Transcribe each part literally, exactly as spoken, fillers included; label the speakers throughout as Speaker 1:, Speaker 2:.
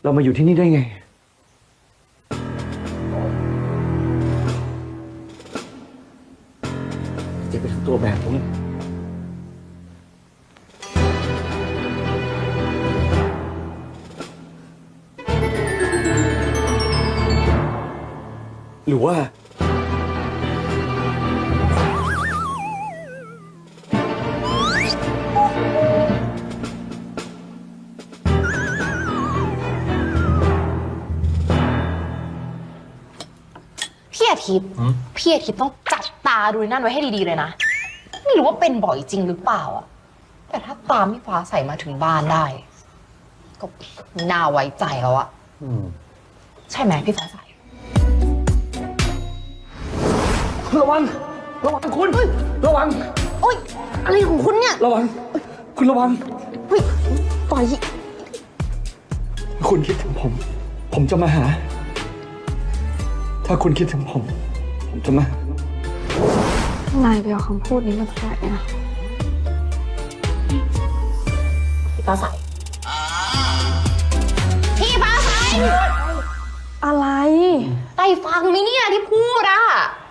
Speaker 1: เรามาอยู่ที่นี่ได้ไงเจ็บไปทั้งตัวแบบนี้หรือว่า
Speaker 2: พี่อาทิตย์พี่อาทิตย์ต้องจับตาดูนั่นไว้ให้ดีๆเลยนะไม่รู้ว่าเป็นบ่อยจริงหรือเปล่าอะแต่ถ้าตามพี่ฟ้าใสมาถึงบ้านได้ ก็น่าไว้ใจแล้วอะใช่ไหมพี่ฟ้าใส
Speaker 1: ระวังระวังคุณระวัง
Speaker 2: โอ๊ยอะไรของคุณเนี่ย
Speaker 1: ระวังคุณระวัง
Speaker 2: เฮ้ยปล่อย
Speaker 1: คุณคิดถึงผมผมจะมาหาถ้าคุณคิดถึงผมผมจะมาน
Speaker 3: ายไปเอาคำพูดนี้มาจากไหนอะ
Speaker 2: พี่ฟ้าใสพี่ฟ้าใส
Speaker 3: อะไร
Speaker 2: ได้ฟังไหมเนี่ยที่พูดอะ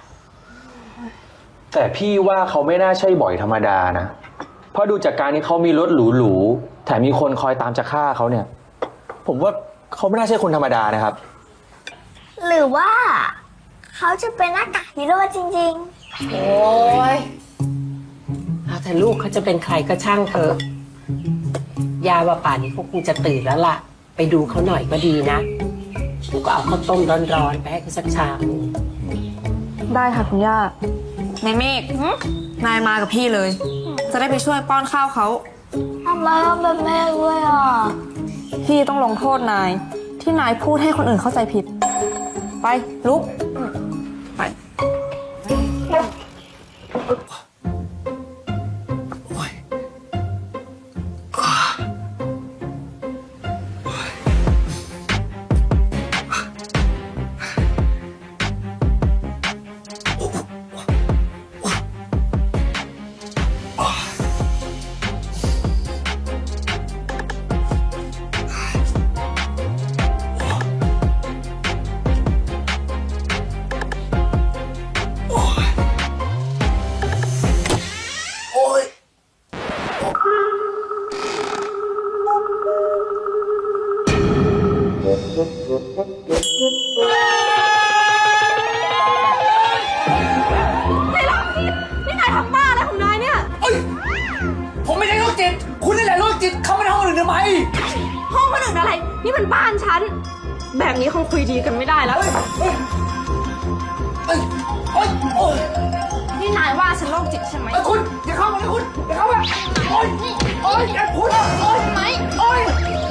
Speaker 4: แต่พี่ว่าเขาไม่น่าใช่บ่อยธรรมดานะเพราะดูจากการที่เขามีรถหรูๆแถมมีคนคอยตามจะฆ่าเขาเนี่ยผมว่าเขาไม่น่าใช่คนธรรมดานะครับ
Speaker 5: หรือว่าเขาจะเป็นหน้ากากฮีโร่จริง
Speaker 2: ๆโอ้ย
Speaker 6: เอาแต่ลูกเขาจะเป็นใครก็ช่างเถอะยาว่าป่านนี้เขาคงจะตื่นแล้วล่ะไปดูเขาหน่อยก็ดีนะลูกก็เอาข้าวต้มร้อนๆไปให้เขาสักชาม
Speaker 3: ได้ค่ะคุณย่าในเมฆนายมากับพี่เลยจะได้ไปช่วยป้อนข้าวเขา
Speaker 5: ทำไมต้องเป็นแม่ด้วยอ่ะ
Speaker 3: พี่ต้องลงโทษนายที่นายพูดให้คนอื่นเข้าใจผิดไปลุกไป
Speaker 1: ผมไม่ใช่โรคจิตคุณนี่แหละโรคจิตเข้ามาในห้องอื่นทำไม
Speaker 3: ห้องคนอื่นอะไรนี่มันบ้านฉันแบบนี้คงคุยดีกันไม่ได้แล้วนี่นายว่าฉันโรคจิตใช่ไหม
Speaker 1: คุณอย่าเข้ามานะคุณอย่าเข้ามาโอ๊ยโอ๊ยอย่าพูดโอ๊ยไหมโอ๊ย